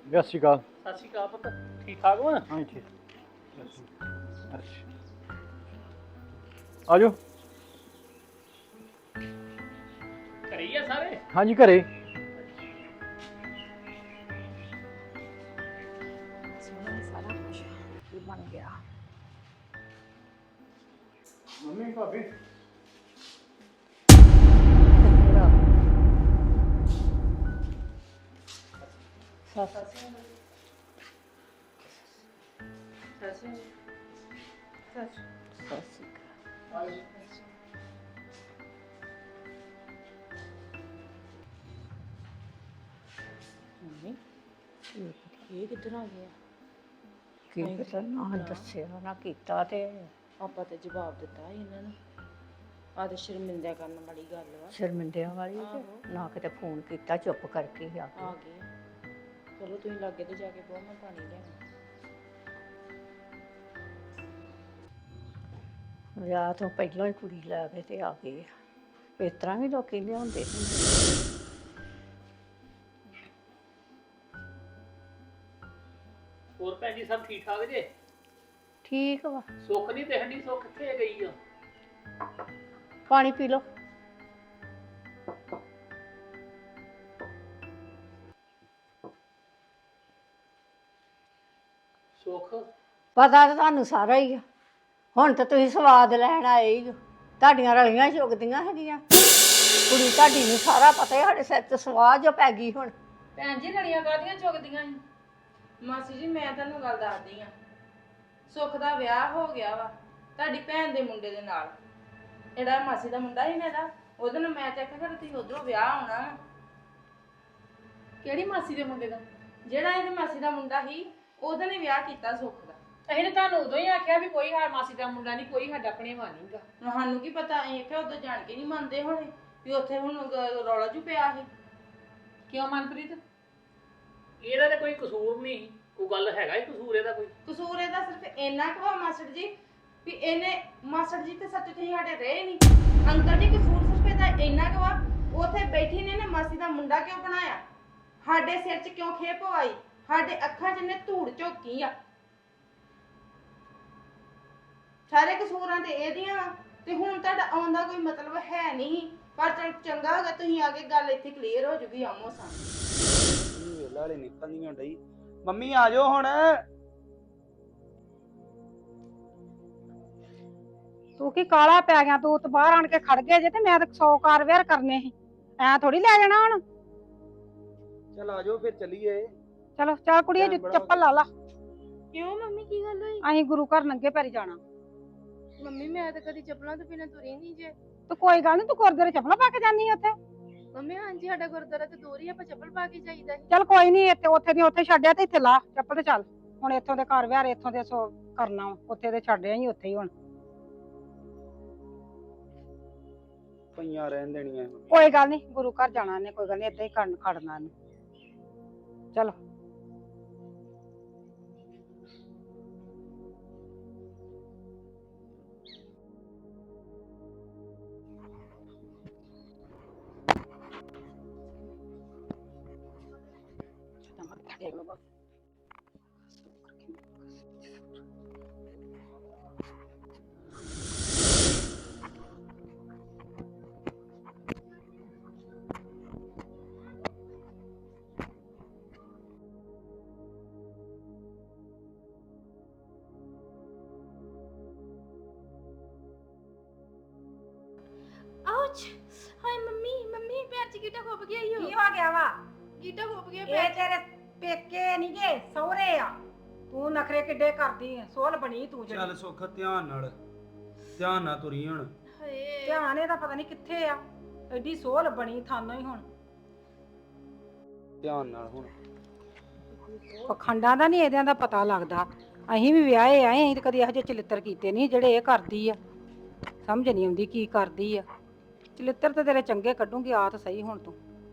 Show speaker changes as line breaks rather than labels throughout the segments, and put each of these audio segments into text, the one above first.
ਸਤਿ ਸ਼੍ਰੀ ਅਕਾਲ।
ਸਤਿ ਸ਼੍ਰੀ ਅਕਾਲ ਪੁੱਤ, ਠੀਕ ਠਾਕ ਵਾ?
ਹਾਂਜੀ ਠੀਕ। ਅੱਛਾ ਆ ਜਾਓ।
ਘਰੇ ਹੀ ਆ ਸਾਰੇ?
ਹਾਂਜੀ ਘਰੇ।
ਸੋਹਣਾ ਸਾਰਾ ਕੁਝ ਕੀ ਬਣ ਗਿਆ।
ਮੰਮੀ ਭਾਬੀ
ਇਹ ਕਿੱਧਰ ਆ ਗਿਆ? ਕੀ ਪਤਾ, ਨਾ ਦੱਸਿਆ ਨਾ ਕੀਤਾ ਤੇ
ਆਪਾਂ ਤੇ ਜਵਾਬ ਦਿੱਤਾ ਸੀ ਇਹਨਾਂ ਨੂੰ। ਆ ਤੇ ਸ਼ਰਮਿੰਦਾ ਕਰਨ ਵਾਲੀ ਗੱਲ ਵਾ।
ਸ਼ਰਮਿੰਦਿਆਂ ਵਾਲੀ ਤੇ ਨਾ ਕਿਤੇ ਫੋਨ ਕੀਤਾ, ਚੁੱਪ ਕਰਕੇ ਹੀ ਆ
ਆ ਗਏ। ਚਲੋ ਤੁਸੀਂ ਲਾਗੇ ਤੇ ਜਾ ਕੇ ਬਹੁਤ ਮੈਂ ਪਾਣੀ ਲੈਣਾ।
ਵਿਆਹ ਤੋਂ ਪਹਿਲਾਂ ਹੀ ਕੁੜੀ ਲੈ ਕੇ ਤੇ ਆ ਗਏ। ਇਸ ਤਰ੍ਹਾਂ ਵੀ ਲੋਕੀ ਲਿਆਉਂਦੇ ਹੁੰਦੇ।
ਹੋਰ ਭੈਣ ਜੀ ਸਭ ਠੀਕ ਠਾਕ ਜੇ?
ਠੀਕ ਵਾ।
ਸੁੱਖ ਨਹੀਂ ਦਿਖਣੀ, ਸੁੱਖ ਕਿੱਥੇ ਗਈ ਆ?
ਪਾਣੀ ਪੀ ਲਓ।
ਸੁੱਖ
ਪਤਾ ਤਾਂ ਤੁਹਾਨੂੰ ਸਾਰਾ ਹੀ ਆ। ਹੁਣ ਤਾਂ ਤੁਸੀਂ ਸਵਾਦ ਲੈਣ ਆਏ ਹੀ ਹੋ। ਤੁਹਾਡੀਆਂ ਰਲੀਆਂ ਚੁਗਦੀਆਂ ਹੈਗੀਆਂ। ਕੁੜੀ ਤੁਹਾਡੀ ਨੂੰ ਸਾਰਾ ਪਤਾ ਹੈ, ਸਾਡੇ ਸਿਰ ਤੇ ਸਵਾਹ ਜੋ ਪੈ ਗਈ ਹੁਣ।
ਭੈਣ ਜੀ ਲੜੀਆਂ ਕਾਹਦੀਆਂ ਚੁਗਦੀਆਂ ਸੀ? ਮਾਸੀ ਜੀ ਮੈਂ ਤੁਹਾਨੂੰ ਗੱਲ ਦੱਸਦੀ ਆ। ਸੁੱਖ ਦਾ ਵਿਆਹ ਹੋ ਗਿਆ ਵਾ ਤੁਹਾਡੀ ਭੈਣ ਦੇ ਮੁੰਡੇ ਦੇ ਨਾਲ। ਜਿਹੜਾ ਮਾਸੀ ਦਾ ਮੁੰਡਾ ਸੀ ਨਾ ਇਹਦਾ, ਉਹਦੇ ਨਾਲ ਮੈਂ ਚੈੱਕ ਕਰ ਤੁਸੀਂ ਉਧਰੋਂ ਵਿਆਹ ਆਉਣਾ ਵਾ।
ਕਿਹੜੀ ਮਾਸੀ ਦੇ ਮੁੰਡੇ ਦਾ?
ਜਿਹੜਾ ਇਹਦੀ ਮਾਸੀ ਦਾ ਮੁੰਡਾ ਸੀ ਉਹਦੇ ਨੇ ਵਿਆਹ ਕੀਤਾ ਸੁੱਖ ਦਾ।
ਅਸੀਂ ਨੇ ਤੁਹਾਨੂੰ ਉਦੋਂ ਹੀ ਆਖਿਆ ਵੀ ਕੋਈ ਹਾਰ ਮਾਸੀ ਦਾ ਮੁੰਡਾ ਨਹੀਂ, ਕੋਈ ਸਾਡਾ ਭਣੇਵਾ ਨਹੀਂਗਾ।
ਸਾਨੂੰ ਕੀ ਪਤਾ, ਅਸੀਂ ਕਿ ਉਦੋਂ ਜਾਣ ਕੇ ਨਹੀਂ ਮੰਨਦੇ ਹੋਣੇ ਵੀ ਉੱਥੇ ਹੁਣ ਰੌਲਾ ਜੂ ਪਿਆ ਸੀ।
ਕਿਉਂ ਮਨਪ੍ਰੀਤ?
ਇਹਦਾ ਤੇ ਕੋਈ ਕਸੂਰ ਨਹੀਂ, ਕੋਈ ਗੱਲ ਹੈਗਾ ਹੀ ਕਸੂਰ ਇਹਦਾ ਕੋਈ?
ਕਸੂਰ ਇਹਦਾ ਸਿਰਫ ਇੰਨਾ ਕੁ ਵਾ ਮਾਸੜ ਜੀ ਵੀ ਇਹਨੇ ਮਾਸੜ ਜੀ ਤੇ ਸੱਚ ਤੁਸੀਂ ਸਾਡੇ ਰਹੇ ਨਹੀਂ। ਅੰਕਲ ਜੀ ਕਸੂਰ ਸਿਰਫ ਇਹਦਾ ਇੰਨਾ ਕੁ ਵਾ, ਉੱਥੇ ਬੈਠੀ ਨੇ ਇਹਨੇ ਮਾਸੀ ਦਾ ਮੁੰਡਾ ਕਿਉਂ ਬਣਾਇਆ, ਸਾਡੇ ਸਿਰ 'ਚ ਕਿਉਂ ਖੇਪ ਪਵਾਈ, ਸਾਡੇ ਅੱਖਾਂ 'ਚ ਇਹਨੇ ਧੂੜ ਝੋਕੀ ਆ। ਸਾਰੇ ਕਸੂਰਾਂ ਤੇ ਇਹਦੀਆਂ ਵਾ ਤੇ ਹੁਣ ਤੁਹਾਡਾ ਆਉਣ ਦਾ ਕੋਈ ਮਤਲਬ ਹੈ ਨਹੀਂ। ਪਰ ਚਲ ਚੰਗਾ ਹੋਗਾ ਤੁਸੀਂ ਆ ਕੇ ਗੱਲ ਇੱਥੇ ਕਲੀਅਰ ਹੋ ਜੂਗੀ ਆਮੋ ਸਾਹਮਣੇ।
ਵੇਲਾ ਵਾਲੇ ਨਿਕਲਦੀਆਂ ਡਈ। ਮੰਮੀ ਆ ਜਾਓ ਹੁਣ।
ਤੂੰ ਕੀ ਕਾਲਾ ਪੈ ਗਿਆ? ਤੂੰ ਤਾਂ ਬਾਹਰ ਆਣ ਕੇ ਖੜ ਗਏ ਜੇ ਤੇ ਮੈਂ ਤਾਂ 100 ਕਾਰ ਵੇਅਰ ਕਰਨੇ ਸੀ। ਐ ਥੋੜੀ ਲੈ ਜਾਣਾ ਹੁਣ।
ਚਲ ਆ ਜਾਓ ਫਿਰ ਚੱਲੀਏ।
ਚਲੋ ਚੱਲ ਕੁੜੀਏ, ਚੱਪਲ ਲਾ ਲਾ।
ਕਿਉਂ ਮੰਮੀ ਕੀ ਗੱਲ ਹੋਈ?
ਅਸੀਂ ਗੁਰੂ ਘਰ ਨੰਗੇ ਪੈਰੀ ਜਾਣਾ।
ਮੰਮੀ ਮੈਂ ਤਾਂ ਕਦੀ ਚੱਪਲਾਂ ਤੋਂ ਬਿਨਾਂ ਤੁਰੀ ਨਹੀਂ ਜੇ।
ਤੂੰ ਕੋਈ ਗੱਲ ਨਹੀਂ, ਤੂੰ ਗੁਰਦੁਆਰੇ ਚੱਪਲਾਂ ਪਾ ਕੇ ਜਾਨੀ ਉੱਥੇ।
ਮੰਮੀ ਹਾਂਜੀ ਸਾਡਾ ਗੁਰਦੁਆਰਾ ਤੇ ਦੂਰ ਹੀ, ਆਪਾਂ ਚੱਪਲ ਪਾ ਕੇ ਜਾਈਦਾ।
ਚੱਲ ਕੋਈ ਨਹੀਂ, ਇੱਥੇ ਉੱਥੇ ਦੀ ਉੱਥੇ ਛੱਡਿਆ ਤੇ ਇੱਥੇ ਲਾ ਚੱਪਲ ਤੇ ਚੱਲ। ਹੁਣ ਇੱਥੋਂ ਦੇ ਘਰ ਵਿਆਹ ਇੱਥੋਂ ਦੇ ਸੋ ਕਰਨਾ ਵਾ, ਉੱਥੇ ਦੇ ਛੱਡਿਆ ਹੀ ਉੱਥੇ ਹੀ ਹੁਣ।
ਪਈਆਂ ਰਹਿਣ ਦੇਣੀਆਂ।
ਕੋਈ ਗੱਲ ਨਹੀਂ, ਗੁਰੂ ਘਰ ਜਾਣਾ ਨੇ, ਕੋਈ ਗੱਲ ਨਹੀਂ, ਏਦਾਂ ਹੀ ਖੜਨਾ ਨੇ। ਚਲੋ
ਆਉਚ ਹਾਏ ਮੰਮੀ, ਮੰਮੀ ਪੈਰ 'ਚ ਗਿੱਟਾ ਖੁੱਭ ਗਿਆ ਈ।
ਕੀ ਹੋ ਗਿਆ ਵਾ?
ਗਿੱਟਾ ਖੁੱਭ ਗਿਆ
ਇਹ
ਪੈਰ 'ਚ।
ਤੇਰੇ ਪੇਕੇ ਨਹੀਂ ਗੇ, ਸਹੁਰੇ ਆ। ਤੂੰ ਨਖਰੇ ਕਿੱਡੇ ਕਰਦੀ ਐ? ਸੋਲ ਬਣੀ ਤੂੰ ਜਿਹੜੀ।
ਚੱਲ ਸੁੱਖ ਧਿਆਨ ਨਾਲ ਤੁਰੀ ਹੁਣ।
ਹਾਏ
ਧਿਆਨ ਇਹਦਾ ਪਤਾ ਨਹੀਂ ਕਿੱਥੇ ਆ। ਐਡੀ ਸੋਲ ਬਣੀ ਥਾਨੋਂ ਹੀ ਹੁਣ।
ਧਿਆਨ ਨਾਲ ਹੁਣ।
ਪਖੰਡਾਂ ਦਾ ਨਹੀਂ ਇਹਦਿਆਂ ਦਾ ਪਤਾ ਲੱਗਦਾ। ਅਸੀਂ ਵੀ ਵਿਆਹੇ ਆਏ, ਅਸੀਂ ਤਾਂ ਕਦੀ ਇਹੋ ਜਿਹੇ ਚਲਿੱਤਰ ਕੀਤੇ ਨਹੀਂ ਜਿਹੜੇ ਇਹ ਕਰਦੀ ਆ। ਸਮਝ ਨਹੀਂ ਆਉਂਦੀ ਕੀ ਕਰਦੀ ਆ। ਚਲਿੱਤਰ ਤੇ ਤੇਰੇ ਚੰਗੇ ਕੱਢੂਗੀ, ਆ ਤਾਂ ਸਹੀ ਹੁਣ ਤੂੰ।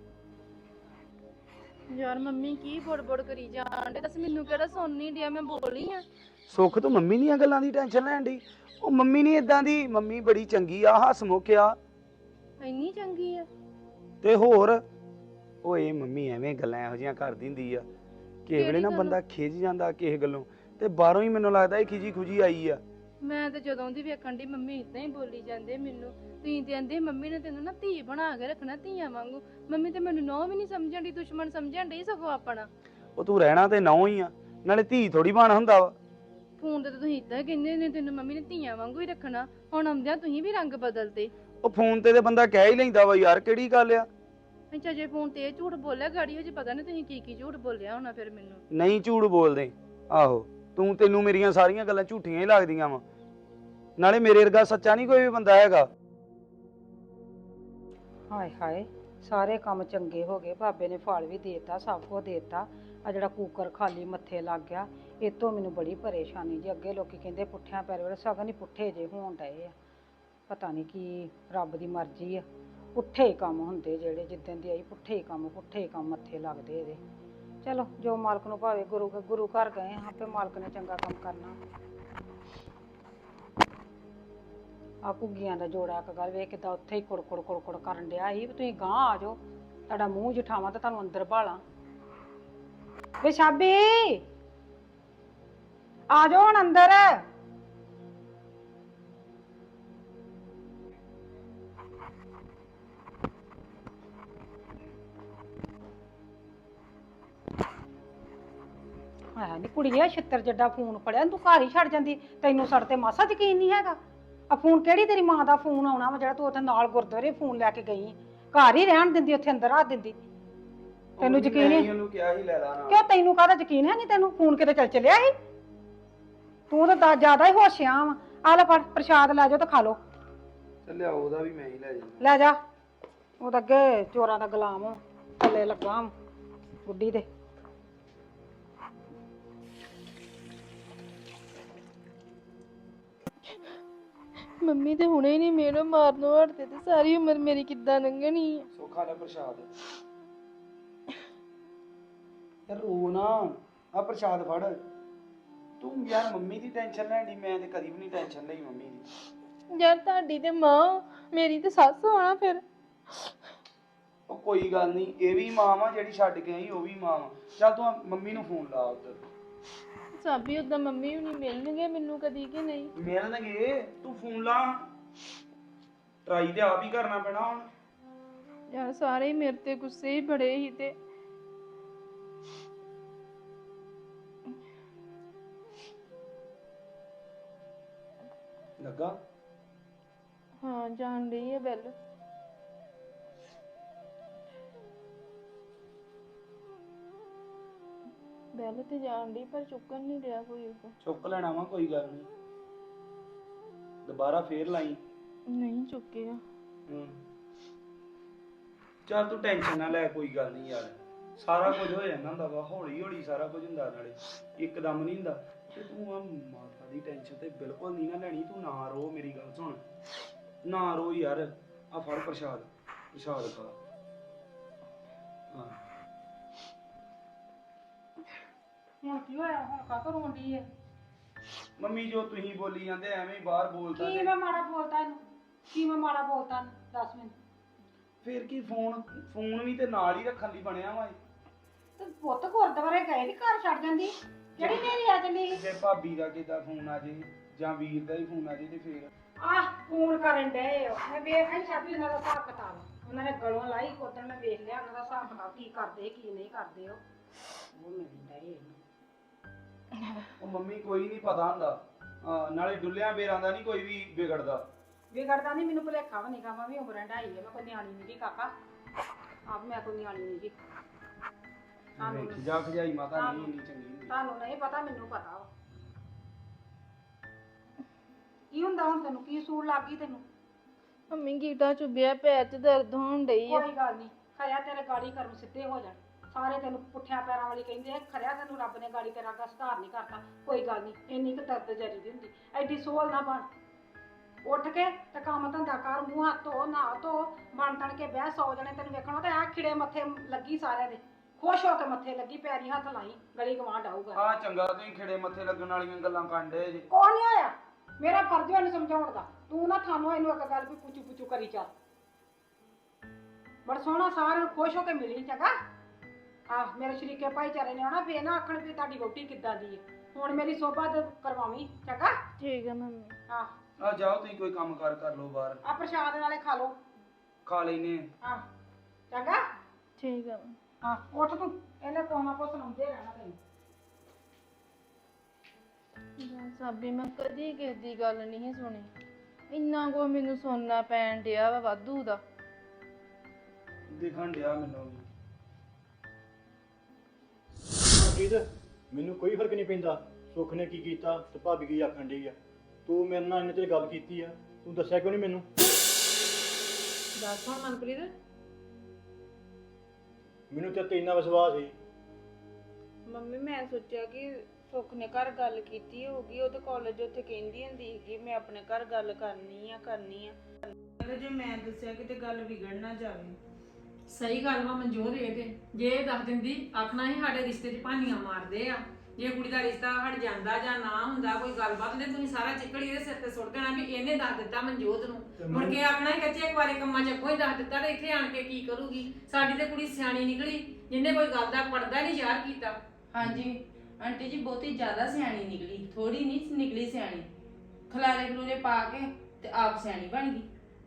ਯਾਰ ਮੰਮੀ ਕੀ ਬੜਬੜ ਕਰੀ ਜਾਂਦੇ, ਦੱਸ ਮੈਨੂੰ ਕਿਹੜਾ ਸੁਣ ਨਹੀਂ ਡਿਆ, ਮੈਂ ਬੋਲੀ ਆ।
ਸੁੱਖ ਤੂੰ ਮੰਮੀ ਦੀਆਂ ਗੱਲਾਂ ਦੀ ਟੈਨਸ਼ਨ ਲੈਣ ਡਈ। ਉਹ ਮੰਮੀ ਨਹੀਂ ਇਦਾਂ ਦੀ, ਮੰਮੀ ਬੜੀ ਚੰਗੀ ਆ, ਹੱਸਮੁਖ ਆ।
ਇੰਨੀ ਚੰਗੀ ਆ?
ਤੇ ਹੋਰ ਓਏ ਮੰਮੀ ਐਵੇਂ ਗੱਲਾਂ ਇਹੋ ਜਿਹੀਆਂ ਕਰਦੀ ਹੁੰਦੀ ਆ। ਕਿਸੇ ਵੇਲੇ ਨਾ ਬੰਦਾ ਖਿਝ ਜਾਂਦਾ ਕਿਸੇ ਗੱਲੋਂ, ਤੇ ਬਾਹਰੋਂ ਹੀ ਮੈਨੂੰ ਲੱਗਦਾ ਇਹ ਖਿਜੀ ਖੁਜੀ ਆਈ ਆ।
ਮੈਂ ਤੇ ਜਦੋਂ ਦੀ ਵੇਖਣ ਦੀ ਮੰਮੀ ਇਦਾਂ ਹੀ ਬੋਲੀ ਜਾਂਦੇ ਮੈਨੂੰ, ਤੁਸੀਂ ਤੇ ਕਹਿੰਦੇ ਮੰਮੀ ਨੇ ਤੈਨੂੰ ਨਾ ਧੀ ਬਣਾ ਕੇ ਰੱਖਣਾ ਧੀਆਂ ਵਾਂਗੂ। ਮੰਮੀ ਤੇ ਮੈਨੂੰ ਨੌ ਵੀ ਨਹੀਂ ਸਮਝਣ ਦੀ, ਦੁਸ਼ਮਣ ਸਮਝਣ ਦੀ ਸਗੋਂ ਆਪਣਾ।
ਉਹ ਤੂੰ ਰਹਿਣਾ ਤੇ ਨੌ ਹੀ ਆ, ਨਾਲੇ ਧੀ ਥੋੜੀ ਬਣ ਹੁੰਦਾ ਵਾ।
ਫੋਨ ਤੇ ਤੁਸੀਂ ਇਦਾਂ ਕਹਿੰਦੇ ਨੇ ਤੈਨੂੰ ਮੰਮੀ ਨੇ ਧੀਆਂ ਵਾਂਗੂ ਹੀ ਰੱਖਣਾ, ਹੁਣ ਆਉਂਦਿਆਂ ਤੁਸੀਂ ਵੀ ਰੰਗ ਬਦਲਤੇ।
ਉਹ ਫੋਨ ਤੇ ਬੰਦਾ ਕਹਿ ਹੀ ਲੈਂਦਾ ਵਾ ਯਾਰ, ਕਿਹੜੀ ਗੱਲ ਆ।
ਅੱਛਾ ਜੇ ਫੋਨ ਤੇ ਇਹ ਝੂਠ ਬੋਲਿਆ ਗਾੜੀ ਹੋ, ਪਤਾ ਨਹੀਂ ਤੁਸੀਂ ਕੀ ਝੂਠ ਬੋਲਿਆ ਹੋਣਾ ਫਿਰ ਮੈਨੂੰ।
ਨਹੀਂ ਝੂਠ ਬੋਲਦੇ, ਆਹੋ ਤੈਨੂੰ ਮੇਰੀਆਂ ਸਾਰੀਆਂ ਗੱਲਾਂ ਝੂਠੀਆਂ ਹੀ ਲੱਗਦੀਆਂ ਵਾ, ਨਾਲੇ ਮੇਰੇ ਵਰਗਾ ਸੱਚਾ ਨਹੀਂ ਕੋਈ ਵੀ ਬੰਦਾ ਹੈਗਾ।
ਹਾਏ ਹਾਏ, ਸਾਰੇ ਕੰਮ ਚੰਗੇ ਹੋ ਗਏ, ਬਾਬੇ ਨੇ ਫਲ ਵੀ ਦੇਤਾ, ਸਭ ਕੁਝ ਦੇਤਾ। ਆ ਜਿਹੜਾ ਕੂਕਰ ਖਾਲੀ ਮੱਥੇ ਲੱਗ ਗਿਆ, ਇਹ ਤੋਂ ਮੈਨੂੰ ਬੜੀ ਪਰੇਸ਼ਾਨੀ ਜੀ। ਅੱਗੇ ਲੋਕੀ ਕਹਿੰਦੇ ਪੁੱਠਿਆਂ ਪੈਰ ਵੇਲੇ, ਸਗਨ ਹੀ ਪੁੱਠੇ ਜੇ ਹੋਣ ਡਏ ਆ। ਪਤਾ ਨਹੀਂ ਕੀ ਰੱਬ ਦੀ ਮਰਜ਼ੀ ਆ, ਪੁੱਠੇ ਹੀ ਕੰਮ ਹੁੰਦੇ ਜਿਹੜੇ, ਜਿੱਦਣ ਦੀ ਆਈ ਪੁੱਠੇ ਹੀ ਕੰਮ ਮੱਥੇ ਲੱਗਦੇ ਇਹਦੇ। ਚਲੋ ਜੋ ਮਾਲਕ ਨੂੰ ਭਾਵੇ, ਗੁਰੂ ਘਰ ਗਏ ਹਾਂ, ਆਪੇ ਮਾਲਕ ਨੇ ਚੰਗਾ ਕੰਮ ਕਰਨਾ। ਆ ਘੁੱਗੀਆਂ ਦਾ ਜੋੜਾ ਇੱਕ ਗੱਲ ਵੇਖ ਕਿੱਦਾਂ ਉੱਥੇ ਹੀ ਕੁੜ ਕਰਨ ਡਿਆ ਸੀ। ਵੀ ਤੁਸੀਂ ਗਾਂਹ ਆ ਜਾਓ, ਤੁਹਾਡਾ ਮੂੰਹ ਜਠਾਵਾਂ ਤੇ ਤੁਹਾਨੂੰ ਅੰਦਰ ਭਾਲਾਂ। ਵੇ ਸ਼ਾਬੀ ਆ ਜਾਓ ਹੁਣ ਅੰਦਰ। ਹੈ ਨੀ ਕੁੜੀਏ, ਛਿੱਤਰ ਜੱਡਾ ਫੋਨ ਫੜਿਆ ਤੂੰ ਘਰ ਹੀ ਛੱਡ ਜਾਂਦੀ। ਤੈਨੂੰ ਸਾਡੇ ਤੇ ਮਾਸਾ ਯਕੀਨ ਨਹੀਂ ਹੈਗਾ। ਆ ਫੋਨ ਕਿਹੜੀ ਤੇਰੀ ਮਾਂ ਦਾ ਫੋਨ ਆਉਣਾ ਵਾ ਜਿਹੜਾ ਤੂੰ ਉੱਥੇ ਨਾਲ ਗੁਰਦੁਆਰੇ ਫੋਨ ਲੈ ਕੇ ਗਈ? ਘਰ ਹੀ ਰਹਿਣ ਦਿੰਦੀ, ਉੱਥੇ ਅੰਦਰ ਆ ਦਿੰਦੀ। ਤੈਨੂੰ ਯਕੀਨ ਨਹੀਂ?
ਉਹਨੂੰ ਕਿਹਾ ਹੀ ਲੈ ਲਾ ਨਾ।
ਕਿਉਂ ਤੈਨੂੰ ਕਾਹਦਾ ਯਕੀਨ ਹੈ ਨਹੀਂ? ਤੈਨੂੰ ਫੋਨ ਕਿਤੇ ਚੱਲ ਚਲਿਆ ਸੀ? ਤੂੰ ਤਾਂ ਜ਼ਿਆਦਾ ਹੀ ਹੋਸ਼ਿਆ ਵਾ। ਆ ਲੈ ਫੜ ਪ੍ਰਸ਼ਾਦ ਲੈ ਜਾਓ ਤੇ ਖਾ ਲਓ।
ਚੱਲਿਆ ਉਹਦਾ ਵੀ ਮੈਂ ਹੀ ਲੈ ਜਾ।
ਲੈ ਜਾ, ਉਹ ਤਾਂ ਅੱਗੇ ਚੋਰਾਂ ਦਾ ਗੁਲਾਮ ਥੱਲੇ ਲੱਗਾ ਬੁੱਢੀ ਦੇ।
ਮੰਮੀ ਤੇ ਹੁਣੇ ਹੀ ਨਹੀਂ ਮੈਨੂੰ ਮਾਰਨੋਂ ਹਟਦੇ ਤੇ ਸਾਰੀ ਉਮਰ ਮੇਰੀ ਕਿੱਦਾਂ ਲੰਘਣੀ ਆ।
ਸੋਖਾ ਦਾ ਪ੍ਰਸ਼ਾਦ ਯਾਰ, ਰੋ ਨਾ, ਆ ਪ੍ਰਸ਼ਾਦ ਫੜ ਤੂੰ। ਯਾਰ ਮੰਮੀ ਦੀ ਟੈਨਸ਼ਨ ਲੈਣ ਦੀ, ਮੈਂ ਤੇ ਕਦੀ ਵੀ ਨਹੀਂ ਟੈਨਸ਼ਨ ਲਈ ਮੰਮੀ ਦੀ।
ਯਾਰ ਤੁਹਾਡੀ ਤੇ ਮਾਂ, ਮੇਰੀ ਤੇ ਸੱਸ ਹੋਣਾ ਫਿਰ।
ਉਹ ਕੋਈ ਗੱਲ ਨਹੀਂ, ਇਹ ਵੀ ਮਾਂ ਵਾ ਜਿਹੜੀ ਛੱਡ ਕੇ ਆਈ, ਉਹ ਵੀ ਮਾਂ ਵਾ। ਚੱਲ ਤੂੰ ਮੰਮੀ ਨੂੰ ਫੋਨ ਲਾ ਉੱਧਰ।
ਸਾਬੀ ਉਦਾਂ ਮੰਮੀ ਵੀ ਨਹੀਂ ਮਿਲਣਗੇ ਮੈਨੂੰ ਕਦੀ ਕਿ ਨਹੀਂ?
ਮਿਲਣਗੇ, ਤੂੰ ਫੋਨ ਲਾ। ਟਰਾਈ ਤੇ ਆਪ ਹੀ ਕਰਨਾ ਪੈਣਾ ਹੁਣ।
ਯਾਰ ਸਾਰੇ ਹੀ ਮੇਰੇ ਤੇ ਗੁੱਸੇ ਹੀ ਬੜੇ ਹੀ ਤੇ
ਲੱਗਾ।
ਹਾਂ ਜਾਣ ਰਹੀ ਹੈ ਬੈਲ। ਬੈਲ ਤੇ ਜਾਣ ਦੀ ਪਰ ਚੁੱਕਣ ਨਹੀਂ ਰਿਹਾ ਕੋਈ। ਉਹ
ਚੁੱਕ ਲੈਣਾ ਵਾ, ਕੋਈ ਗੱਲ ਨਹੀਂ, ਦੁਬਾਰਾ ਫੇਰ ਲਾਈ।
ਨਹੀਂ ਚੁੱਕਿਆ।
ਚੱਲ ਤੂੰ ਟੈਨਸ਼ਨ ਨਾ ਲੈ, ਕੋਈ ਗੱਲ ਨਹੀਂ ਯਾਰ, ਸਾਰਾ ਕੁਝ ਹੋ ਜਾਂਦਾ ਹੁੰਦਾ ਵਾ, ਹੌਲੀ ਹੌਲੀ ਸਾਰਾ ਕੁਝ ਹੁੰਦਾ, ਨਾਲੇ ਇੱਕਦਮ ਨਹੀਂ ਹੁੰਦਾ। ਤੇ ਤੂੰ ਆ ਮਾਤਾ ਦੀ ਟੈਨਸ਼ਨ ਤੇ ਬਿਲਕੁਲ ਨਹੀਂ ਨਾ ਲੈਣੀ। ਤੂੰ ਨਾ ਰੋ, ਮੇਰੀ ਗੱਲ ਸੁਣ, ਨਾ ਰੋ ਯਾਰ। ਆ ਫੜ ਪ੍ਰਸ਼ਾਦ ਖਾ। ਹਾਂ
ਹੁਣ ਕੀ ਹੋਇਆ? ਹੁਣ ਕਾਹਤੋਂ ਰੋਂਦੀ ਹੈ?
ਮੰਮੀ ਜੋ ਤੁਸੀਂ ਬੋਲੀ ਜਾਂਦੇ ਐਵੇਂ ਹੀ ਬਾਹਰ ਬੋਲਦਾ।
ਕੀ ਮੈਂ ਮਾੜਾ ਬੋਲਤਾ ਇਹਨੂੰ? ਕੀ ਮੈਂ ਮਾੜਾ ਬੋਲਤਾ ਇਹਨੂੰ? ਦੱਸ ਮੈਨੂੰ।
ਫੇਰ ਕੀ, ਫੋਨ ਵੀ ਤੇ ਨਾਲ ਹੀ ਰੱਖਣ ਲਈ ਬਣਿਆ ਵਾ।
ਤੇ ਪੁੱਤ ਗੁਰਦੁਆਰੇ ਗਏ ਨੀ, ਘਰ ਛੱਡ ਜਾਂਦੀ? ਕਿਹੜੀ ਨੇਰੀ ਆ ਚੱਲੀ?
ਜੇ ਭਾਬੀ ਦਾ ਕਿਦਾਂ ਫੋਨ ਆ ਜੇ ਜਾਂ ਵੀਰ ਦਾ ਹੀ ਫੋਨ ਆ ਜੇ ਤੇ ਫੇਰ
ਆਹ ਫੋਨ ਕਰਨ ਡਏ ਹੋ। ਮੈਂ ਵੇਖ ਆਈ ਸਾਬੀ ਉਹਨਾਂ ਦਾ ਹਿਸਾਬ ਕਿਤਾਬ। ਉਹਨਾਂ ਨੇ ਗਲੋਂ ਲਾਈ ਕੋਤਣ, ਮੈਂ ਵੇਖ ਲਿਆ ਉਹਨਾਂ ਦਾ ਹਿਸਾਬ ਕਿਤਾਬ, ਕੀ ਕਰਦੇ ਕੀ ਨਹੀਂ ਕਰਦੇ। ਉਹ ਨਹੀਂ ਡਏ।
ਉਹ ਮੰਮੀ ਕੋਈ ਨਹੀਂ ਪਤਾ ਹੁੰਦਾ, ਨਾਲੇ ਡੁੱਲਿਆਂ ਬੇਰਾਂ ਦਾ ਨਹੀਂ ਕੋਈ ਵੀ ਵਿਗੜਦਾ।
ਵਿਗੜਦਾ ਨਹੀਂ, ਮੈਨੂੰ ਭੁਲੇਖਾ ਵੀ ਨਹੀਂਗਾ। ਮੈਂ ਵੀ ਉਮਰਾਂ ਢਾਈ ਹੈ, ਮੈਂ ਕੋਈ ਨਿਆਣੀ ਨਹੀਂ ਜੀ ਕਾਕਾ। ਆਪ ਮੈਂ ਕੋਈ ਨਿਆਣੀ ਨਹੀਂ ਜੀ।
ਜਾ ਖਜਾਈ ਮਾਤਾ ਨਹੀਂ ਇੰਨੀ ਚੰਗੀ ਹੁੰਦੀ।
ਤੁਹਾਨੂੰ ਨਹੀਂ ਪਤਾ, ਮੈਨੂੰ ਪਤਾ ਵਾ। ਕੀ ਹੁੰਦਾ ਹੁਣ ਤੈਨੂੰ? ਕੀ ਸੂਲ ਲੱਗ ਗਈ ਤੈਨੂੰ?
ਮੰਮੀ ਗੀਟਾ ਚੁੱਭਿਆ, ਪੈਰ 'ਚ ਦਰਦ ਹੋਣ ਡਈ ਆ।
ਕੋਈ ਗੱਲ ਨਹੀਂ, ਖਰਿਆ ਤੇਰੇ ਗਾੜੀ ਕਰਮ ਸਿੱਧੇ ਹੋ ਜਾਣ। ਸਾਰੇ ਤੈਨੂੰ ਪੁੱਠਿਆਂ ਪੈਰਾਂ ਵਾਲੀ ਕਹਿੰਦੇ ਆ, ਖਰਿਆ ਤੈਨੂੰ ਰੱਬ ਨੇ ਗਾੜੀ ਤੇਰਾ ਅੱਗਾ ਸੁਧਾਰ ਨਹੀਂ ਕਰਤਾ। ਕੋਈ ਗੱਲ ਨਹੀਂ, ਇੰਨੀ ਕੁ ਦਰਦ ਜਰੀ ਦੀ ਹੁੰਦੀ, ਐਡੀ ਸੋਲ ਨਾ ਬਣ। ਉੱਠ ਕੇ ਤੇ ਕੰਮ ਧੰਦਾ ਕਰ, ਮੂੰਹ ਹੱਥ ਧੋ, ਨਹਾ ਧੋ, ਬਣ ਤਣ ਕੇ ਬਹਿ। 100 ਜਣੇ ਤੈਨੂੰ ਵੇਖਣਾ ਤੇ ਆ ਖਿੜੇ ਮੱਥੇ ਲੱਗੀ ਸਾਰਿਆਂ ਦੇ, ਖੁਸ਼ ਹੋ ਕੇ ਮੱਥੇ ਲੱਗੀ, ਪੈਰੀ ਹੱਥ ਲਾਈ, ਗਲੀ ਗਵਾਂਢ ਆਊਗਾ।
ਆ ਚੰਗਾ, ਤੁਸੀਂ ਖਿੜੇ ਮੱਥੇ ਲੱਗਣ ਵਾਲੀਆਂ ਗੱਲਾਂ ਕਰਦੇ ਜੇ।
ਕੌਣ ਨਹੀਂ ਆਇਆ? ਮੇਰਾ ਫਰਜ਼ ਹੈ ਇਹਨੂੰ ਸਮਝਾਉਣ ਦਾ। ਤੂੰ ਨਾ ਥਾਨੂੰ ਇਹਨੂੰ ਇੱਕ ਗੱਲ ਵੀ ਪੁੱਛੂ ਕਰੀ ਚੱਲ। ਬੜਾ ਸੋਹਣਾ ਸਾਰਿਆਂ ਨੂੰ ਖੁਸ਼ ਹੋ ਕੇ ਮਿਲੀ, ਚੰਗਾ। ਆਹ ਮੇਰੇ ਸ਼ਰੀਕੇ ਭਾਈਚਾਰੇ ਨੇ ਆਉਣਾ ਫੇਰ ਨਾ ਆਖਣ ਵੀ ਤੁਹਾਡੀ ਵਹੁਟੀ ਕਿੱਦਾਂ ਦੀ ਹੈ। ਹੁਣ ਮੇਰੀ ਸੋਭਾ ਤੇ ਕਰਵਾਵੀਂ ਚੰਗਾ।
ਠੀਕ ਹੈ ਮੰਮੀ।
ਆਹ
ਆ ਜਾਓ ਤੁਸੀਂ ਕੋਈ ਕੰਮ ਕਾਰ ਕਰ ਲਓ ਬਾਹਰ,
ਆ ਪ੍ਰਸ਼ਾਦ ਨਾਲੇ ਖਾ ਲਓ।
ਖਾ ਲੈਨੇ
ਆਹ ਚੰਗਾ।
ਠੀਕ ਹੈ।
ਹਾਂ ਉੱਠ ਤੂੰ, ਇਹਨੇ ਕੋਨਾ ਕੋ ਸੁਣਾਉਂਦੇ ਰਹਿਣਾ ਤੈਨੂੰ।
ਸਾਬੀ ਮੈਂ ਕਦੀ ਕਿਸੇ ਦੀ ਗੱਲ ਨਹੀਂ ਸੁਣੀ, ਇੰਨਾ ਕੋ ਮੈਨੂੰ ਸੁਣਨਾ ਪੈਣ ਡਿਆ ਵਾ ਵਾਧੂ ਦਾ।
ਦਿਖਣ ਡਿਆ ਮੈਨੂੰ ਵੀ।
ਪ੍ਰੀਤ ਮੈਨੂੰ ਕੋਈ ਫਰਕ ਨਹੀਂ ਪੈਂਦਾ ਸੁੱਖ ਨੇ ਕੀ ਕੀਤਾ ਤੇ ਭਾਬੀ ਕੀ ਆਖਣ ਡਈ ਆ। ਤੂੰ ਮੇਰੇ ਨਾਲ ਇੰਨੇ ਚਿਰ ਗੱਲ ਕੀਤੀ ਆ, ਤੂੰ ਦੱਸਿਆ ਕਿਉਂ ਨਹੀਂ ਮੈਨੂੰ?
ਦੱਸ ਹੁਣ ਮਨਪ੍ਰੀਤ।
ਮੈਨੂੰ ਤੇ ਤੇ ਇੰਨਾ ਵਿਸ਼ਵਾਸ ਸੀ।
ਮੰਮੀ ਮੈਂ ਸੋਚਿਆ ਕਿ ਸੁੱਖ ਨੇ ਘਰ ਗੱਲ ਕੀਤੀ ਹੋਊਗੀ, ਉਹ ਤਾਂ ਕਾਲਜ ਉੱਥੇ ਕਹਿੰਦੀ ਹੁੰਦੀ ਸੀਗੀ ਮੈਂ ਆਪਣੇ ਘਰ ਗੱਲ ਕਰਨੀ ਆ ਜੇ ਮੈਂ ਦੱਸਿਆ ਕਿਤੇ ਗੱਲ ਵਿਗੜ ਨਾ ਜਾਵੇ।
ਸਹੀ ਗੱਲ ਵਾ ਮਨਜੋਤ, ਇਹ ਤੇ ਜੇ ਇਹ ਦੱਸ ਦਿੰਦੀ ਆਖਣਾ ਹੀ ਸਾਡੇ ਰਿਸ਼ਤੇ 'ਚ ਭਾਨੀਆਂ ਮਾਰਦੇ ਆ। ਜੇ ਕੁੜੀ ਦਾ ਰਿਸ਼ਤਾ ਹਟ ਜਾਂਦਾ ਜਾਂ ਨਾ ਹੁੰਦਾ ਕੋਈ ਗੱਲਬਾਤ ਤੇ ਤੁਸੀਂ ਸਾਰਾ ਚਿੱਕੜ ਇਹਦੇ ਸਿਰ ਤੇ ਸੁੱਟ ਦੇਣਾ ਵੀ ਇਹਨੇ ਦੱਸ ਦਿੱਤਾ ਮਨਜੋਤ ਨੂੰ। ਮੁੜ ਕੇ ਆਖਣਾ ਹੀ ਕੱਚੇ ਕੁਆਰੇ ਕੰਮਾਂ 'ਚ ਕੋਈ ਦੱਸ ਦਿੱਤਾ ਤੇ ਇੱਥੇ ਆਣ ਕੇ ਕੀ ਕਰੂਗੀ। ਸਾਡੀ ਤੇ ਕੁੜੀ ਸਿਆਣੀ ਨਿਕਲੀ, ਜਿਹਨੇ ਕੋਈ ਗੱਲ ਦਾ ਪਰਦਾ ਨਹੀਂ ਯਾਰ ਕੀਤਾ।
ਹਾਂਜੀ ਆਂਟੀ ਜੀ ਬਹੁਤੀ ਜ਼ਿਆਦਾ ਸਿਆਣੀ ਨਿਕਲੀ, ਥੋੜੀ ਨਹੀਂ ਨਿਕਲੀ ਸਿਆਣੀ। ਖਲਾਰੇ ਖਲੂਰੇ ਪਾ ਕੇ ਤੇ ਆਪ ਸਿਆਣੀ ਬਣ ਗਈ।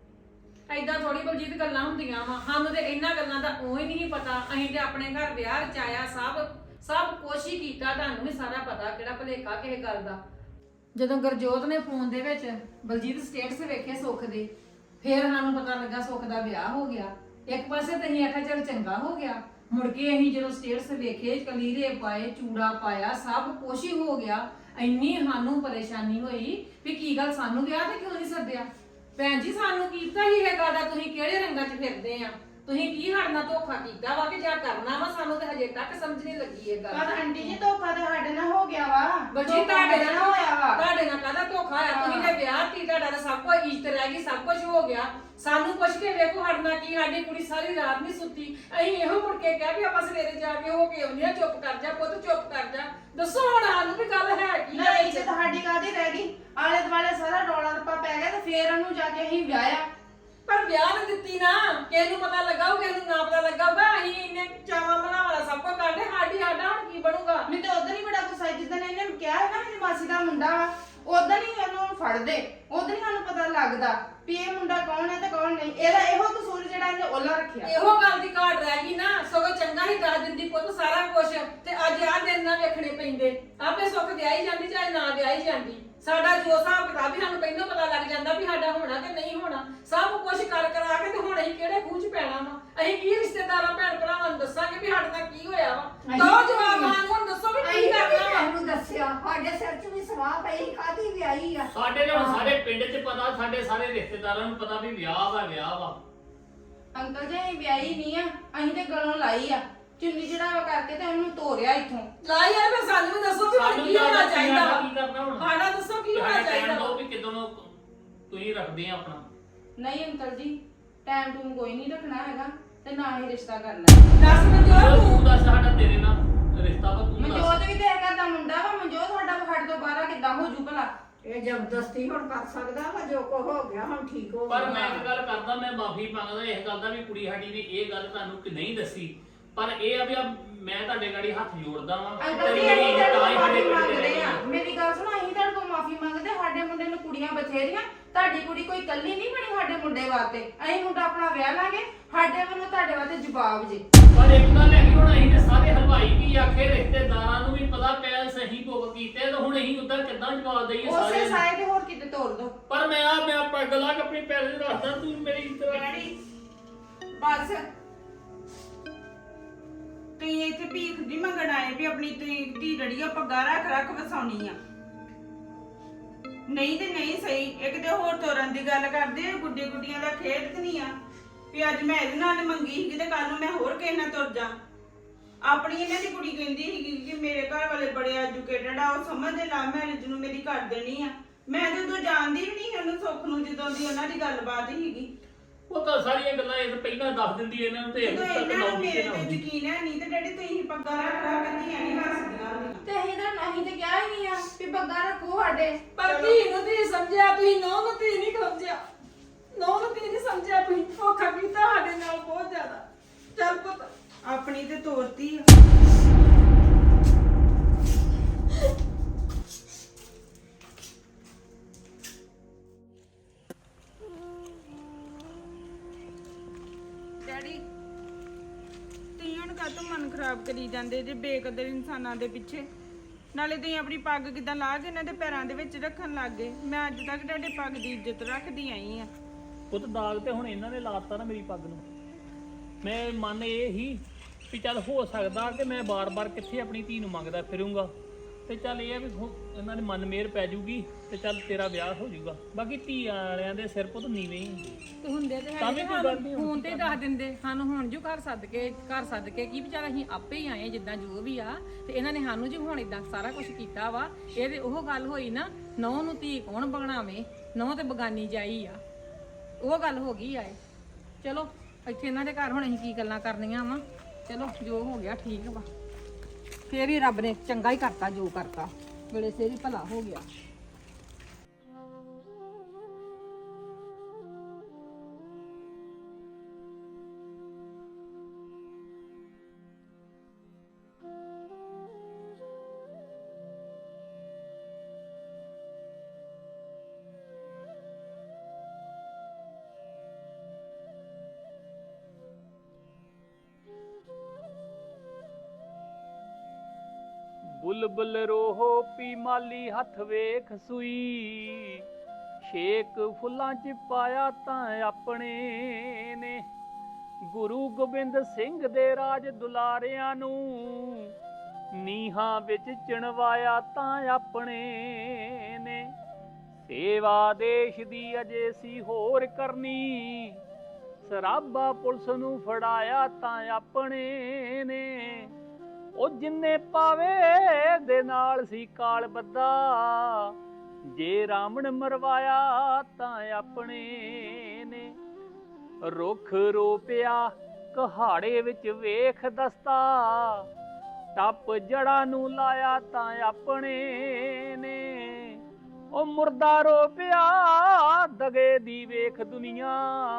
ਐਦਾਂ ਥੋੜੀ ਬਲਜੀਤ ਗੱਲਾਂ ਹੁੰਦੀਆਂ ਵਾ, ਸਾਨੂੰ ਤੇ ਇਹਨਾਂ ਗੱਲਾਂ ਦਾ ਉਹ ਹੀ ਨਹੀਂ ਪਤਾ। ਅਸੀਂ ਤੇ ਆਪਣੇ ਘਰ ਵਿਆਹ ਰਚਾਇਆ, ਸਭ ਕੁਛ ਹੀ ਕੀਤਾ, ਤੁਹਾਨੂੰ ਵੀ ਸਾਰਾ ਪਤਾ ਕਿਹੜਾ ਭੁਲੇਖਾ ਕਿਸੇ ਗੱਲ ਦਾ। ਜਦੋਂ ਗੁਰਜੋਤ ਨੇ ਫੋਨ ਦੇ ਵਿੱਚ ਬਲਜੀਤ ਸਟੇਟਸ ਵੇਖੇ ਸੁੱਖ ਦੇ, ਫੇਰ ਸਾਨੂੰ ਪਤਾ ਲੱਗਾ ਸੁੱਖ ਦਾ ਵਿਆਹ ਹੋ ਗਿਆ। ਇੱਕ ਪਾਸੇ ਤਾਂ ਅਸੀਂ ਆਖਿਆ ਚੱਲ ਚੰਗਾ ਹੋ ਗਿਆ, ਮੁੜ ਕੇ ਅਸੀਂ ਜਦੋਂ ਸਟੇਟਸ ਵੇਖੇ ਕਲੀਰੇ ਪਾਏ, ਚੂੜਾ ਪਾਇਆ, ਸਭ ਕੁਛ ਹੀ ਹੋ ਗਿਆ। ਇੰਨੀ ਸਾਨੂੰ ਪਰੇਸ਼ਾਨੀ ਹੋਈ ਵੀ ਕੀ ਗੱਲ ਸਾਨੂੰ ਵਿਆਹ ਤੇ ਕਿਉਂ ਨਹੀਂ ਸੱਦਿਆ। ਭੈਣ ਜੀ ਸਾਨੂੰ ਕੀਤਾ ਹੀ ਇਹ ਗੱਲ ਦਾ, ਤੁਸੀਂ ਕਿਹੜੇ ਰੰਗਾਂ 'ਚ ਫਿਰਦੇ ਆ, ਤੁਸੀਂ ਕੀ ਸਾਡੇ ਨਾਲ ਧੋਖਾ ਕੀਤਾ ਵਾ ਕਿ ਜਾਂ ਕਰਨਾ ਵਾ, ਸਾਨੂੰ ਤੇ ਹਜੇ ਤੱਕ ਸਮਝ ਨਹੀਂ ਲੱਗੀ ਇਹ ਗੱਲ।
ਪਰ ਆਂਟੀ ਜੀ ਧੋਖਾ ਤਾਂ ਸਾਡੇ ਨਾਲ ਹੋ ਗਿਆ ਵਾ।
ਬਲਜੀ ਤੁਹਾਡੇ ਨਾਲ
ਹੋਇਆ ਵਾ।
ਤੁਹਾਡੇ ਨਾਲ ਕਾਹਦਾ ਧੋਖਾ ਹੋਇਆ? ਤੁਸੀਂ ਤੇ ਵਿਆਹ ਕੀ, ਤੁਹਾਡਾ ਤਾਂ ਸਭ ਕੁਝ ਇੱਜ਼ਤ ਰਹਿ ਗਈ, ਸਭ ਕੁਝ ਹੋ ਗਿਆ। ਸਾਨੂੰ ਪੁੱਛ ਕੇ ਵੇਖੋ ਸਾਡੇ ਨਾਲ ਕੀ, ਸਾਡੀ ਕੁੜੀ ਸਾਰੀ ਰਾਤ ਨਹੀਂ ਸੁੱਤੀ। ਅਸੀਂ ਇਹੋ ਮੁੜ ਕੇ ਕਿਹਾ ਵੀ ਆਪਾਂ ਸਵੇਰੇ ਜਾ ਕੇ ਹੋ ਕੇ ਆਉਂਦੇ ਆ। ਚੁੱਪ ਕਰ ਜਾ ਪੁੱਤ, ਚੁੱਪ ਕਰ ਜਾ। ਦੱਸੋ ਹੁਣ ਸਾਨੂੰ ਵੀ ਗੱਲ ਹੈ ਕੀ
ਨਾ ਇੱਜ਼ਤ ਤੁਹਾਡੀ ਕਾਹਦੀ ਰਹਿ ਗਈ? ਆਲੇ ਦੁਆਲੇ ਸਾਰਾ ਰੌਲਾ ਰੱਪਾ ਪੈ ਗਿਆ ਤੇ ਫੇਰ ਉਹਨੂੰ ਜਾ ਕੇ ਅਸੀਂ ਵਿਆਹਿਆ।
ਪਰ ਵਿਆਹ ਨੇ ਦਿੱਤੀ ਨਾ, ਕਿਸੇ ਨੂੰ ਪਤਾ ਲੱਗਾ ਹੋਊ, ਕਿਸੇ ਨੂੰ ਨਾ ਪਤਾ ਲੱਗਾ ਹੋਊਗਾ। ਅਸੀਂ ਇੰਨੇ ਚਾਵਾਂ ਬਣਾਵਾਲਾ ਸਭ ਕੁਝ ਕਰਦੇ, ਸਾਡਾ ਹੁਣ ਕੀ ਬਣੂਗਾ?
ਮੈਨੂੰ ਤੇ ਉਧਰ ਹੀ ਬੜਾ ਗੁੱਸਾ ਜਿੱਦਣ ਇਹਨੇ ਕਿਹਾ ਹੈ ਨਾ ਮੇਰੀ ਮਾਸੀ ਦਾ ਮੁੰਡਾ ਵਾ, ਉਧਰ ਹੀ ਉਹਨੂੰ ਫੜਦੇ, ਉਧਰ ਹੀ ਸਾਨੂੰ ਪਤਾ ਲੱਗਦਾ ਵੀ ਇਹ ਮੁੰਡਾ ਕੌਣ ਹੈ ਤੇ ਕੌਣ ਨਹੀਂ। ਇਹਦਾ ਇਹੋ ਕਸੂਰ ਜਿਹੜਾ ਇਹਨੇ ਓਲਾ ਰੱਖਿਆ।
ਇਹੋ ਗੱਲ ਦੀ ਘਾਟ ਰਹਿ ਗਈ ਨਾ, ਸਗੋਂ ਚੰਗਾ ਹੀ ਦੱਸ ਦਿੰਦੀ ਪੁੱਤ ਸਾਰਾ ਕੁਝ, ਤੇ ਅੱਜ ਆਹ ਦਿਨ ਨਾ ਵੇਖਣੇ ਪੈਂਦੇ। ਆਪੇ ਸੁੱਖ ਵਿਆਹੀ ਜਾਂਦੀ ਚਾਹੇ ਨਾ ਵਿਆਹੀ ਜਾਂਦੀ, ਸਾਡਾ ਜੋ ਹਿਸਾਬ ਕਿਤਾਬ ਵੀ ਸਾਨੂੰ ਪਹਿਲਾਂ ਪਤਾ ਲੱਗ ਜਾਂਦਾ ਵੀ ਸਾਡਾ ਹੋਣਾ ਕਿ ਨਹੀਂ ਹੋਣਾ। ਸਭ ਕੁਝ ਕਰ ਕਰਾ ਕੇ ਤੇ ਹੁਣ ਅਸੀਂ ਕਿਹੜੇ ਖੂਹ 'ਚ ਪੈਣਾ ਵਾ? ਅਸੀਂ ਕੀ ਰਿਸ਼ਤੇਦਾਰਾਂ ਭੈਣ ਭਰਾਵਾਂ ਨੂੰ ਦੱਸਾਂਗੇ ਵੀ ਸਾਡੇ ਨਾਲ ਕੀ ਹੋਇਆ ਵਾ? ਦੋ ਜਵਾਬ ਸਾਨੂੰ ਹੁਣ ਦੱਸੋ ਵੀ ਕੀ ਕਰਨਾ ਵਾ?
ਮੈਨੂੰ ਦੱਸਿਆ ਸਾਡੇ ਸਿਰ 'ਚ ਵੀ ਸਵਾਹ ਪਈ, ਕਾਹਦੀ ਵਿਆਹੀ ਆ।
ਸਾਡੇ ਤੇ ਹੁਣ ਸਾਰੇ ਪਿੰਡ 'ਚ ਪਤਾ, ਸਾਡੇ ਸਾਰੇ ਰਿਸ਼ਤੇਦਾਰਾਂ ਨੂੰ ਪਤਾ ਵੀ ਵਿਆਹ ਵਾ।
ਅੰਕਲ ਜੀ ਅਸੀਂ ਵਿਆਹੀ ਨਹੀਂ ਆ, ਅਸੀਂ ਤੇ ਗਲੋਂ ਲਾਈ ਆ, ਚੁੰਨੀ ਚੜਾਵਾ ਕਰਕੇ ਤੇ ਉਹਨੂੰ ਤੋਰਿਆ ਇੱਥੋਂ।
ਲਾ ਯਾਰ ਫਿਰ ਸਾਨੂੰ ਵੀ ਦੱਸੋ ਵੀ ਹੁਣ
ਸਾਨੂੰ
ਕੀ ਹੋਣਾ ਚਾਹੀਦਾ ਵਾ?
ਕੀ ਕਰਨਾ ਹੁਣ?
ਸਾਡਾ ਦੱਸੋ ਕੀ ਹੋਣਾ
ਸਾਡੇ
ਚਾਹੀਦਾ
ਕਹਿਣ
ਵਾ?
ਦੋ ਵੀ ਕਿਦੋਂ ਨੂੰ ਤੁਸੀਂ ਰੱਖਦੇ ਆ ਆਪਣਾ।
ਨਹੀਂ ਅੰਕਲ ਜੀ ਟਾਈਮ ਟੂਮ ਕੋਈ ਨਹੀਂ ਰੱਖਣਾ ਹੈਗਾ ਤੇ ਨਾ ਹੀ ਰਿਸ਼ਤਾ ਕਰਨਾ।
ਦੱਸ ਮਨਜੋਤ
ਤੂੰ
ਤੂੰ
ਦੱਸ ਸਾਡਾ ਤੇਰੇ ਨਾਲ ਰਿਸ਼ਤਾ ਵਾ, ਤੂੰ ਦੱਸ।
ਮਨਜੋਤ ਵੀ ਤੇ ਹੈਗਾ ਦਾ ਮੁੰਡਾ ਵਾ। ਮਨਜੋਤ ਸਾਡਾ ਸਾਡੇ ਤੋਂ ਬਾਹਰ ਕਿੱਦਾਂ ਹੋ ਜੂ ਭਲਾ?
ਇਹ ਜ਼ਬਰਦਸਤੀ ਹੁਣ ਕਰ ਸਕਦਾ ਵਾ, ਜੋ ਕੋ ਹੋ ਗਿਆ ਹੁਣ ਠੀਕ ਹੋ
ਪਰ
ਗਿਆ।
ਮੈਂ ਇੱਕ ਗੱਲ ਕਰਦਾ, ਮੈਂ ਮਾਫੀ ਮੰਗਦਾ ਇਸ ਗੱਲ ਦਾ ਵੀ ਕੁੜੀ ਸਾਡੀ ਨੇ ਇਹ ਗੱਲ ਤੁਹਾਨੂੰ ਕਿ ਨਹੀਂ ਦੱਸੀ। ਪਰ ਇਹ ਆ ਵੀ ਮੈਂ ਤੁਹਾਡੇ ਗਾੜੀ ਹੱਥ ਜੋੜਦਾ ਵਾਂ।
ਅੰਕਲ ਜੀ
ਤੇਰੀ
ਅਸੀਂ
ਤਾਂ
ਤੁਹਾਡੇ
ਹੀ
ਕੋਲ
ਸਾਡੇ
ਮਾਫੀ
ਪਿੰਡ ਦੇ
ਮੰਗਦੇ
ਰਹਿ
ਆ।
ਗਏ।
ਮੇਰੀ ਗੱਲ ਸੁਣੋ, ਅਸੀਂ ਤੁਹਾਡੇ ਕੋਲ ਮਾਫੀ ਮੰਗਦੇ। ਸਾਡੇ ਮੁੰਡੇ ਨੂੰ ਕੁੜੀਆਂ ਬਥੇਰੀਆਂ, ਤੁਹਾਡੀ ਕੁੜੀ ਕੋਈ ਕੱਲੀ ਨਹੀਂ ਬਣੀ ਸਾਡੇ ਮੁੰਡੇ ਵਾਸਤੇ। ਅਸੀਂ ਮੁੰਡਾ ਆਪਣਾ ਵਿਆਹ ਲਾਂਗੇ, ਸਾਡੇ ਵੱਲੋਂ ਤੁਹਾਡੇ ਵਾਸਤੇ ਜਵਾਬ ਜੇ।
ਪਰ ਇੱਕ ਗੱਲ ਹੈਗੀ, ਹੁਣ ਅਸੀਂ ਤੇ ਸਾਰੇ ਹਲਵਾਈ ਕੀ ਆਖੇ, ਰਿਸ਼ਤੇਦਾਰਾਂ ਨੂੰ ਵੀ ਪਤਾ ਪਿਆ ਸਹੀ ਭੁੱਖ ਕੀਤੇ, ਤੇ ਹੁਣ ਅਸੀਂ ਉਦਾਂ ਕਿੱਦਾਂ ਜਵਾਬ ਦਈਏ
ਉਸੇ
ਸਾਰਿਆਂ ਨੂੰ?
ਸਾਏ ਤੇ ਹੋਰ ਕਿਤੇ ਤੋੜ ਦੋ।
ਪਰ ਮੈਂ ਪੱਗ ਲਾ ਕੇ ਆਪਣੀ ਪੈਰ 'ਚ ਰੱਖਦਾ, ਤੂੰ ਮੇਰੀ ਇੱਜ਼ਤ
ਡੈਡੀ ਬਸ ਤੁਸੀਂ ਇੱਥੇ ਭੀਖ ਦੀ ਮੰਗਣ ਆਏ ਵੀ ਆਪਣੀ ਧੀ ਜਿਹੜੀ ਆ ਪੱਗਾ ਰੱਖ ਵਸਾਉਣੀ ਆ। ਨਹੀਂ ਤੇ ਨਹੀਂ ਸਹੀ। ਇੱਕ ਤੇ ਹੋਰ ਤੋਰਨ ਦੀ ਗੱਲ ਕਰਦੇ ਆ, ਗੁੱਡੀਆਂ ਦਾ ਖੇਡ ਤੇ ਨਹੀਂ ਆ ਵੀ ਅੱਜ ਮੈਂ ਇਹਦੇ ਨਾਲ ਮੰਗੀ ਸੀਗੀ ਤੇ ਕੱਲ ਨੂੰ ਮੈਂ ਹੋਰ ਕਿਸੇ ਨਾਲ ਤੁਰ ਜਾ। ਆਪਣੀ ਇਹਨਾਂ ਦੀ ਕੁੜੀ ਕਹਿੰਦੀ ਸੀਗੀ ਕਿ ਮੇਰੇ ਘਰ ਵਾਲੇ ਬੜੇ ਐਜੂਕੇਟਡ ਆ, ਉਹ ਸਮਝਦੇ ਲਾ ਮੈਰਿਜ ਨੂੰ ਮੇਰੀ ਕਰ ਦੇਣੀ ਆ। ਮੈਂ ਤੇ ਉਦੋਂ ਜਾਣਦੀ ਵੀ ਨਹੀਂ ਉਹਨੂੰ ਸੁੱਖ ਨੂੰ, ਜਦੋਂ ਦੀ ਉਹਨਾਂ ਦੀ ਗੱਲਬਾਤ ਸੀਗੀ।
ਉਹ ਤਾਂ ਸਾਰੀਆਂ ਗੱਲਾਂ ਇਹ ਪਹਿਲਾਂ ਦੱਸ ਦਿੰਦੀ ਇਹਨਾਂ ਨੂੰ, ਤੇ
ਜਦੋਂ
ਤੱਕ
ਇਹਨਾਂ ਨੂੰ
ਲਾਉਂਦੀ
ਮੇਰੇ
ਨਾ
ਤੇ
ਹੁੰਦੀ।
ਯਕੀਨ ਹੈ ਨਹੀਂ ਤੇ ਡੈਡੀ ਤੁਸੀਂ ਪੱਗਾ ਰੱਖਾ ਕਹਿੰਦੀਆਂ ਨਹੀਂ ਹੱਸਦੀਆਂ ਹੁੰਦੀਆਂ।
ਤੇ ਅਸੀਂ ਤੇ ਕਿਹਾ ਹੀ ਨਹੀਂ ਆ ਵੀ ਬੱਗਾ ਰੱਖੋ ਸਾਡੇ।
ਪਰ ਧੀ ਨੂੰ ਧੀ ਸਮਝਿਆ ਤੁਸੀਂ, ਨੌਂ ਨੂੰ ਧੀ ਨਹੀਂ ਸਮਝਿਆ। ਨੌਂ ਨੂੰ ਧੀ ਨਹੀਂ ਸਮਝਿਆ ਤੁਸੀਂ, ਧੋਖਾ ਕੀਤਾ ਸਾਡੇ ਨਾਲ ਬਹੁਤ ਜ਼ਿਆਦਾ। ਚੱਲ ਪੁੱਤ
ਆ ਆਪਣੀ ਤੇ ਤੋਰਤੀ ਆ। ਡੈਡੀ ਤੁਸੀਂ ਹੁਣ ਕਾਹਤੋਂ ਮਨ ਖਰਾਬ ਕਰੀ ਜਾਂਦੇ ਜੇ ਬੇਕਦਰ ਇਨਸਾਨਾਂ ਦੇ ਪਿੱਛੇ? ਨਾਲੇ ਤੁਸੀਂ ਆਪਣੀ ਪੱਗ ਕਿਦਾਂ ਲਾ ਕੇ ਇਹਨਾਂ ਦੇ ਪੈਰਾਂ ਦੇ ਵਿੱਚ ਰੱਖਣ ਲੱਗ ਗਏ। ਮੈਂ ਅੱਜ ਤੱਕ ਤੁਹਾਡੇ ਪੱਗ ਦੀ ਇੱਜ਼ਤ ਰੱਖਦੀ ਆਈ ਆ।
ਪੁੱਤ ਦਾਗ ਤੇ ਹੁਣ ਇਹਨਾਂ ਨੇ ਲਾਤਾ ਨਾ ਮੇਰੀ ਪੱਗ ਨੂੰ। ਮੈਂ ਮਨ ਇਹ ਹੀ ਵੀ ਚੱਲ ਹੋ ਸਕਦਾ ਕਿ ਮੈਂ ਬਾਰ-ਬਾਰ ਕਿੱਥੇ ਆਪਣੀ ਧੀ ਨੂੰ ਮੰਗਦਾ ਫਿਰੂੰਗਾ, ਤੇ ਚੱਲ ਇਹ ਆ ਵੀ ਇਹਨਾਂ ਦੇ ਮਨ ਮੇਰ ਪੈ ਜੂਗੀ ਤੇ ਚੱਲ ਤੇਰਾ ਵਿਆਹ ਹੋ ਜਾਊਗਾ। ਬਾਕੀ ਧੀ ਵਾਲਿਆਂ ਦੇ ਸਿਰ ਪੁੱਤ ਨੀਵੇਂ ਹੀ ਹੁੰਦੇ
ਤੇ ਹੁੰਦੇ ਤੇ
ਤਾਂ ਵੀ ਕੋਈ ਗੱਲ ਨਹੀਂ।
ਫੋਨ ਤੇ ਦੱਸ ਦਿੰਦੇ ਸਾਨੂੰ, ਹੁਣ ਜੋ ਘਰ ਸੱਦ ਕੇ ਕੀ ਵਿਚਾਰਾ ਅਸੀਂ ਆਪੇ ਹੀ ਆਏ ਜਿੱਦਾਂ ਜੋ ਵੀ ਆ, ਤੇ ਇਹਨਾਂ ਨੇ ਸਾਨੂੰ ਜੀ ਹੁਣ ਇਦਾਂ ਸਾਰਾ ਕੁਝ ਕੀਤਾ ਵਾ। ਇਹ ਤੇ ਉਹ ਗੱਲ ਹੋਈ ਨਾ, ਨੌ ਨੂੰ ਧੀ ਕੌਣ ਬਣਾਵੇ, ਨੌ ਤੇ ਬਗਾਨੀ ਜਾਈ ਆ, ਉਹ ਗੱਲ ਹੋ ਗਈ ਆਏ। ਚਲੋ ਇੱਥੇ ਇਹਨਾਂ ਦੇ ਘਰ ਹੁਣ ਅਸੀਂ ਕੀ ਗੱਲਾਂ ਕਰਨੀਆਂ ਵਾ। ਚਲੋ ਜੋ ਹੋ ਗਿਆ ਠੀਕ ਵਾ, ਫੇਰ ਵੀ ਰੱਬ ਨੇ ਚੰਗਾ ਹੀ ਕਰਤਾ ਜੋ ਕਰਤਾ, ਵੇਲੇ ਸਿਰ ਹੀ ਭਲਾ ਹੋ ਗਿਆ।
ਬੁਲਬੁਲ ਰੋਹੋ ਪੀ ਮਾਲੀ ਹੱਥ ਵੇਖ ਸੂਈ, ਸ਼ੇਕ ਫੁੱਲਾਂ ਚ ਪਾਇਆ ਤਾਂ ਆਪਣੇ ਨੇ। ਗੁਰੂ ਗੋਬਿੰਦ ਸਿੰਘ ਦੇ ਰਾਜ ਦੁਲਾਰਿਆਂ ਨੂੰ ਨੀਹਾਂ ਵਿੱਚ ਚਿਣਵਾਇਆ ਤਾਂ ਆਪਣੇ ਨੇ। ਸੇਵਾ ਦੇਸ਼ ਦੀ ਅਜੇ ਸੀ ਹੋਰ ਕਰਨੀ, ਸਰਾਬਾ ਪੁਲਿਸ ਨੂੰ ਫੜਾਇਆ ਤਾਂ ਆਪਣੇ ਨੇ। ਉਹ ਜਿੰਨੇ ਪਾਵੇ ਦੇ ਨਾਲ ਸੀ ਕਾਲ ਬੱਦਾ, ਜੇ ਰਾਮਣ ਮਰਵਾਇਆ ਤਾਂ ਆਪਣੇ ਨੇ। ਰੁੱਖ ਰੋਪਿਆ ਕਹਾੜੇ ਵਿੱਚ ਵੇਖ ਦਸਤਾ, ਟੱਪ ਜੜਾਂ ਨੂੰ ਲਾਇਆ ਤਾਂ ਆਪਣੇ ਨੇ। ਉਹ ਮੁਰਦਾ ਰੋਪਿਆ ਦਗੇ ਦੀ ਵੇਖ ਦੁਨੀਆ,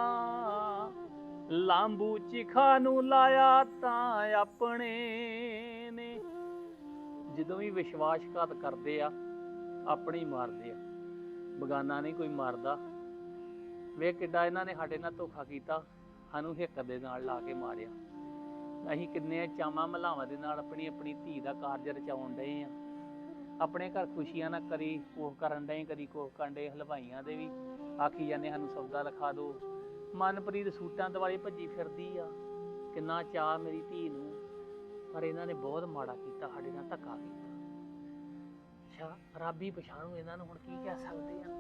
ਲਾਂਬੂ ਚਿਖਾ ਨੂੰ ਲਾਇਆ ਤਾਂ ਆਪਣੇ ਨੇ। ਜਦੋਂ ਵੀ ਵਿਸ਼ਵਾਸਘਾਤ ਕਰਦੇ ਆ ਆਪਣੇ ਹੀ ਮਾਰਦੇ ਆ, ਬਗਾਨਾ ਨਹੀਂ ਕੋਈ ਮਾਰਦਾ। ਵੇਖ ਕਿੱਡਾ ਇਹਨਾਂ ਨੇ ਸਾਡੇ ਨਾਲ ਧੋਖਾ ਕੀਤਾ, ਸਾਨੂੰ ਹਿੱਕ ਦੇ ਨਾਲ ਲਾ ਕੇ ਮਾਰਿਆ। ਅਸੀਂ ਕਿੰਨੇ ਚਾਵਾਂ ਮਲਾਵਾਂ ਦੇ ਨਾਲ ਆਪਣੀ ਆਪਣੀ ਧੀ ਦਾ ਕਾਰਜ ਰਚਾਉਣ ਡਏ ਆ। ਆਪਣੇ ਘਰ ਖੁਸ਼ੀਆਂ ਨਾਲ ਕਰੀ ਕੋਹ ਕਰਨ ਡਏ, ਕਦੀ ਕੋਹ ਕਰਨ ਡਏ। ਹਲਵਾਈਆਂ ਦੇ ਵੀ ਆਖੀ ਜਾਂਦੇ ਸਾਨੂੰ ਸੌਦਾ ਲਿਖਾ ਦਿਓ। ਮਨਪ੍ਰੀਤ ਸੂਟਾਂ ਦੁਆਲੇ ਭੱਜੀ ਫਿਰਦੀ ਆ, ਕਿੰਨਾ ਚਾਅ ਮੇਰੀ ਧੀ ਨੂੰ, ਪਰ ਇਹਨਾਂ ਨੇ ਬਹੁਤ ਮਾੜਾ ਕੀਤਾ, ਸਾਡੇ ਨਾਲ ਧੱਕਾ ਕੀਤਾ। ਅੱਛਾ ਰੱਬ ਹੀ ਪਛਾਣੂ ਇਹਨਾਂ ਨੂੰ, ਹੁਣ ਕੀ ਕਹਿ ਸਕਦੇ ਆ।